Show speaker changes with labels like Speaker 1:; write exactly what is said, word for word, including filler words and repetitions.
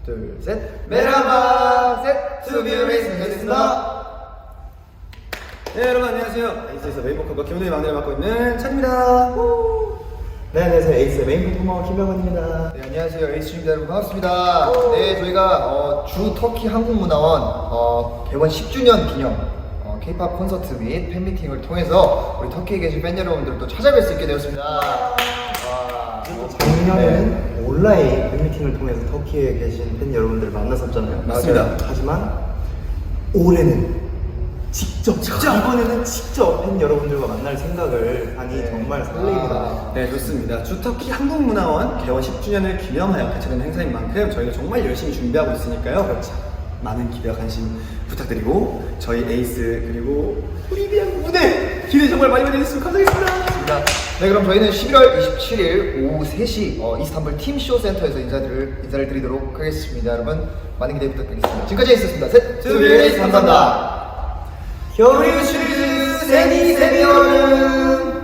Speaker 1: 둘, 셋. 메라바, 셋. 투비레이스 되겠습니다.
Speaker 2: 네, 여러분 안녕하세요. 에이스에서 메인 보컬과 김은혜의 막내를 맡고 있는 찬입니다.
Speaker 3: 네, 안녕하세요. 에이스 메인 퍼포머 김병원입니다.
Speaker 1: 네, 안녕하세요. 에이스입니다. 여러분 반갑습니다. 네, 저희가 어, 주 터키 한국문화원 어, 개원 십 주년 기념 어, K-팝 콘서트 및 팬미팅을 통해서 우리 터키에 계신 팬 여러분들도 찾아뵐 수 있게 되었습니다. 와.
Speaker 3: 작년에는
Speaker 1: 네.
Speaker 3: 온라인 팬미팅을 통해서 터키에 계신 팬 여러분들을 만났었잖아요.
Speaker 2: 맞습니다.
Speaker 3: 맞아요. 하지만 올해는 직접, 직접 이번에는 직접 팬 여러분들과 만날 생각을 하니
Speaker 1: 네.
Speaker 3: 정말 설레입니다.
Speaker 1: 아.
Speaker 2: 네, 좋습니다. 주터키 한국문화원 개원 십 주년을 기념하여 개최되는 행사인 만큼 저희가 정말 열심히 준비하고 있으니까요. 그렇죠. 많은 기대와 관심 부탁드리고 저희 에이스 그리고 우리 비양 무대 기대 정말 많이 많이 해주시면 감사하겠습니다.
Speaker 1: 네, 그럼 저희는 십일월 이십칠일 오후 세 시 어, 이스탄불 팀쇼 센터에서 인사를, 인사를 드리도록 하겠습니다. 여러분 많은 기대 부탁드리겠습니다. 지금까지 에이스였습니다. 셋,
Speaker 2: 투비레이스 감사합니다.
Speaker 3: 겨울이 시리즈 세미 세미 여름